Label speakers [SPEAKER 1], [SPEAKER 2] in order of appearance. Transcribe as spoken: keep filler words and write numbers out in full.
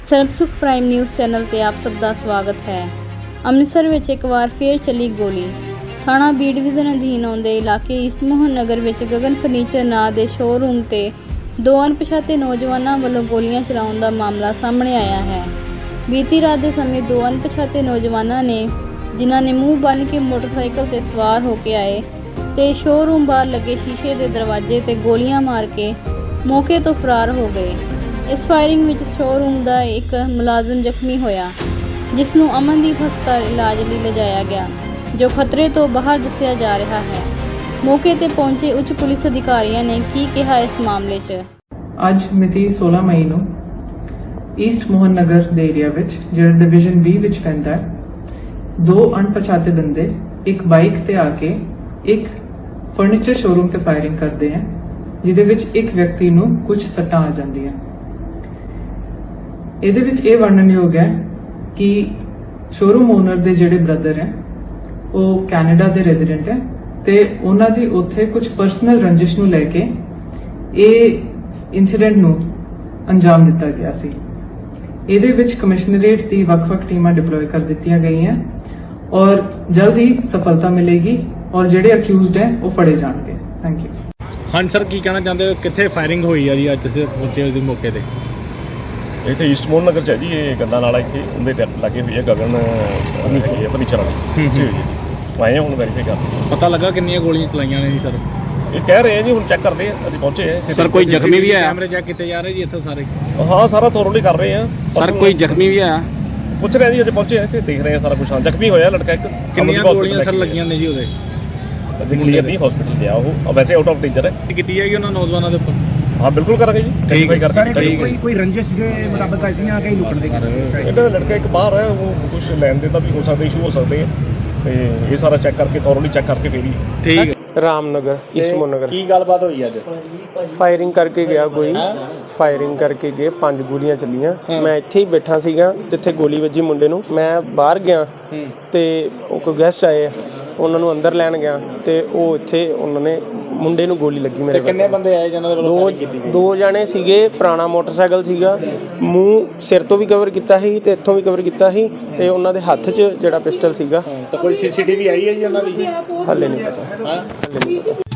[SPEAKER 1] ਸਰਬਸੁਖ prime news channel ਤੇ ਆਪ ਸਭ ਦਾ ਸਵਾਗਤ ਹੈ। ਅੰਮ੍ਰਿਤਸਰ ਵਿੱਚ ਇੱਕ ਵਾਰ ਫੇਰ ਚੱਲੀ ਗੋਲੀ। ਥਾਣਾ ਬੀ ਡਿਵੀਜ਼ਨ ਅਧੀਨ ਆਉਂਦੇ ਇਲਾਕੇ ਈਸਟ ਮੋਹਨ ਨਗਰ ਵਿੱਚ ਗਗਨ ਫਰਨੀਚਰ ਨਾਂ ਦੇ ਸ਼ੋਅਰੂਮ ਤੇ ਦੋ ਅਣਪਛਾਤੇ ਨੌਜਵਾਨਾਂ ਵੱਲੋਂ ਗੋਲੀਆਂ ਚਲਾਉਣ ਦਾ ਮਾਮਲਾ ਸਾਹਮਣੇ ਆਇਆ ਹੈ। ਬੀਤੀ ਰਾਤ ਦੇ ਸਮੇਂ ਦੋ ਅਣਪਛਾਤੇ ਨੌਜਵਾਨਾਂ ਨੇ ਜਿਨ੍ਹਾਂ ਨੇ ਮੂੰਹ ਬੰਨ੍ਹ ਕੇ ਮੋਟਰਸਾਈਕਲ ਤੇ ਸਵਾਰ ਹੋ ਕੇ ਆਏ ਤੇ ਸ਼ੋਅਰੂਮ ਬਾਹਰ ਲੱਗੇ ਸ਼ੀਸ਼ੇ ਦੇ ਦਰਵਾਜ਼ੇ ਤੇ ਗੋਲੀਆਂ ਮਾਰ ਕੇ ਮੌਕੇ ਤੋਂ ਫਰਾਰ ਹੋ ਗਏ। ਇਸ ਫਾਇਰਿੰਗ ਵਿੱਚ ਸ਼ੋਅਰੂਮ ਦਾ ਇੱਕ ਮੁਲਾਜ਼ਮ ਜ਼ਖਮੀ ਹੋਇਆ, ਜਿਸ ਨੂੰ ਅਮਨਦੀਪ ਹਸਪਤਾਲ ਇਲਾਜ ਲਈ ਲਿਜਾਇਆ ਗਿਆ, ਜੋ ਖਤਰੇ ਤੋਂ ਬਾਹਰ ਦੱਸਿਆ ਜਾ ਰਿਹਾ ਹੈ। ਮੌਕੇ ਤੇ ਪਹੁੰਚੇ ਉੱਚ ਪੁਲਿਸ ਅਧਿਕਾਰੀਆਂ ਨੇ ਕੀ ਕਿਹਾ ਇਸ ਮਾਮਲੇ 'ਚ।
[SPEAKER 2] ਅੱਜ ਮਿਤੀ सोलह ਮਈ ਨੂੰ ਈਸਟ ਮੋਹਨ ਨਗਰ ਦੇ ਏਰੀਆ ਵਿੱਚ ਜਿਹੜਾ ਡਿਵੀਜ਼ਨ ਬੀ ਵਿੱਚ ਪੈਂਦਾ ਹੈ, ਦੋ ਅਣਪਛਾਤੇ ਬੰਦੇ ਇੱਕ ਬਾਈਕ ਤੇ ਆ ਕੇ ਇੱਕ ਫਰਨੀਚਰ ਸ਼ੋਰੂਮ ਤੇ ਫਾਇਰਿੰਗ ਕਰਦੇ ਹਨ, ਜਿਹਦੇ ਵਿੱਚ ਇੱਕ ਵਿਅਕਤੀ ਨੂੰ ਕੁਝ ਸੱਟਾਂ ਆ ਜਾਂਦੀਆਂ। ਇਹਦੇ ਵਿੱਚ ਇਹ ਵਰਣਨਯੋਗ ਹੈ ਕਿ ਸ਼ੋਰੂਮ ਓਨਰ ਦੇ ਜਿਹੜੇ ਬ੍ਰਦਰ ਹੈ ਉਹ ਕੈਨੇਡਾ ਦੇ ਰੈਜ਼ੀਡੈਂਟ ਹੈ ਤੇ ਉਹਨਾਂ ਦੀ ਉੱਥੇ ਕੁਝ ਪਰਸਨਲ ਰੰਜਿਸ਼ ਨੂੰ ਲੈ ਕੇ ਇਹ ਇਨਸੀਡੈਂਟ ਨੂੰ ਅੰਜਾਮ ਦਿੱਤਾ ਗਿਆ ਸੀ। ਇਹਦੇ ਵਿੱਚ ਕਮਿਸ਼ਨਰੇਟ ਦੀ ਵੱਖ-ਵੱਖ ਟੀਮਾਂ ਡਿਪਲੋਏ ਕਰ ਦਿੱਤੀਆਂ ਗਈਆਂ ਔਰ ਜਲਦ ਹੀ ਸਫਲਤਾ ਮਿਲੇਗੀ ਔਰ ਜਿਹੜੇ ਅਕਿਊਜ਼ਡ ਹੈ ਉਹ ਫੜੇ ਜਾਣਗੇ। Thank you.
[SPEAKER 3] ਹਾਂਜੀ ਸਰ, ਕੀ ਕਹਿਣਾ ਚਾਹੁੰਦੇ ਹੋ? ਕਿੱਥੇ ਫਾਇਰਿੰਗ ਹੋਈ ਆ ਜੀ ਅੱਜ ਤੁਸੀਂ ਪਹੁੰਚੇ ਉਸ ਮੌਕੇ ਤੇ?
[SPEAKER 4] ਇੱਥੇ ਈਸਟ ਮੋਹਨ ਨਗਰ ਚ ਹੈ ਜੀ, ਇਹ ਗੰਦਾ ਨਾਲਾ ਇੱਥੇ ਉਹਦੇ ਟੈਪ ਲੱਗੇ ਹੋਈ ਹੈ ਗਗਨ ਫਰਨੀਚਰ ਵਾਲੀ ਜੀ ਜੀ ਆਏ ਹੁਣ ਵੈਰੀਫਾਈ ਕਰਦੇ।
[SPEAKER 3] ਪਤਾ ਲੱਗਾ ਕਿੰਨੀਆਂ ਗੋਲੀਆਂ ਚਲਾਈਆਂ ਨੇ ਜੀ ਸਰ?
[SPEAKER 4] ਇਹ ਕਹਿ ਰਹੇ ਆ ਜੀ, ਹੁਣ ਚੈੱਕ ਕਰਦੇ ਆ, ਅਸੀਂ ਪਹੁੰਚੇ ਆ।
[SPEAKER 3] ਸਰ ਕੋਈ ਜ਼ਖਮੀ ਵੀ ਆਇਆ? ਕੈਮਰੇ ਚੈੱਕ ਕੀਤੇ ਜਾ ਰਹੇ ਜੀ ਇੱਥੇ ਸਾਰੇ?
[SPEAKER 4] ਹਾਂ ਸਾਰਾ ਥੋਰਲੀ ਕਰ ਰਹੇ ਆ
[SPEAKER 3] ਸਰ। ਕੋਈ ਜ਼ਖਮੀ ਵੀ ਆਇਆ?
[SPEAKER 4] ਪੁੱਛ ਰਹੇ ਜੀ, ਅਜੇ ਪਹੁੰਚੇ ਆ, ਇੱਥੇ ਦੇਖ ਰਹੇ ਆ ਸਾਰਾ ਕੁਝ। ਹਾਂ ਜ਼ਖਮੀ ਹੋਇਆ ਲੜਕਾ ਇੱਕ।
[SPEAKER 3] ਕਿੰਨੀਆਂ ਗੋਲੀਆਂ ਸਰ ਲੱਗੀਆਂ ਨੇ ਜੀ ਉਹਦੇ?
[SPEAKER 4] ਕਲੀਅਰ ਨਹੀਂ, ਹਸਪੀਟਲ ਗਿਆ ਉਹ, ਵੈਸੇ ਆਊਟ ਆਫ ਡੇਂਜਰ ਹੈ।
[SPEAKER 3] ਕੀਤੀ ਜਾਏਗੀ ਉਹਨਾਂ ਨੌਜਵਾਨਾਂ ਦੇ ਉੱਪਰ?
[SPEAKER 4] ਹਾਂ ਬਿਲਕੁਲ ਕਰਾਂਗੇ ਜੀ, ਵੈਰੀਫਾਈ ਕਰਕੇ।
[SPEAKER 5] ਕੋਈ ਕੋਈ ਰੰਜਿਸ਼ ਦੇ ਮੁਤਾਬਕ ਆਈਆਂ ਕਿ ਲੁਕਣ ਦੇ
[SPEAKER 4] ਇਹਨਾਂ ਦਾ ਲੜਕਾ ਇੱਕ ਬਾਹਰ ਹੈ, ਉਹ ਕੁਝ ਲੈਣ ਦੇ ਦਾ ਵੀ ਹੋ ਸਕਦਾ, ਇਸ਼ੂ ਹੋ ਸਕਦੇ ਆ, ਤੇ ਇਹ ਸਾਰਾ ਚੈੱਕ ਕਰਕੇ ਥੋਰਲੀ ਚੈੱਕ ਕਰਕੇ ਫੇਰ ਹੀ।
[SPEAKER 3] ਠੀਕ ਹੈ।
[SPEAKER 6] ਰਾਮਨਗਰ ਈਸਟ ਮੋਹਨ ਨਗਰ।
[SPEAKER 3] ਕੀ ਗੱਲਬਾਤ ਹੋਈ ਅੱਜ?
[SPEAKER 6] ਫਾਇਰਿੰਗ ਕਰਕੇ ਗਿਆ ਕੋਈ, ਫਾਇਰਿੰਗ ਕਰਕੇ ਗਏ, ਪੰਜ ਗੋਲੀਆਂ ਚੱਲੀਆਂ। ਮੈਂ ਇੱਥੇ ਹੀ ਬੈਠਾ ਸੀਗਾ ਜਿੱਥੇ ਗੋਲੀ ਵੱਜੀ ਮੁੰਡੇ ਨੂੰ। ਮੈਂ ਬਾਹਰ ਗਿਆ ਤੇ ਉਹ ਕੋਈ ਗੈਸਟ ਆਏ, ਉਹਨਾਂ ਨੂੰ ਅੰਦਰ ਲੈਣ ਗਿਆ ਤੇ ਉਹ ਇੱਥੇ ਉਹਨਾਂ ਨੇ ਮੁੰਡੇ ਨੂੰ ਗੋਲੀ ਲੱਗੀ ਮੇਰੇ।
[SPEAKER 3] ਕਿੰਨੇ ਬੰਦੇ ਆਏ ਜਿਹਨਾਂ ਦੇ ਵੱਲੋਂ ਫਾਇਰਿੰਗ ਕੀਤੀ ਗਈ? ਦੋ
[SPEAKER 6] ਜਣੇ ਸੀਗੇ, ਪੁਰਾਣਾ ਮੋਟਰਸਾਈਕਲ ਸੀਗਾ, ਮੂੰਹ ਸਿਰ ਤੋਂ ਵੀ ਕਵਰ ਕੀਤਾ ਸੀ ਤੇ ਇੱਥੋਂ ਵੀ ਕਵਰ ਕੀਤਾ ਸੀ, ਤੇ ਉਹਨਾਂ ਦੇ ਹੱਥ 'ਚ ਜਿਹੜਾ ਪਿਸਟਲ ਸੀਗਾ।
[SPEAKER 3] ਤਾਂ ਕੋਈ ਸੀਸੀਟੀਵੀ ਆਈ ਹੈ ਜੀ ਉਹਨਾਂ ਦੀ?
[SPEAKER 6] ਹੱਲੇ ਨਹੀਂ ਪਤਾ, ਹੱਲੇ ਨਹੀਂ ਪਤਾ।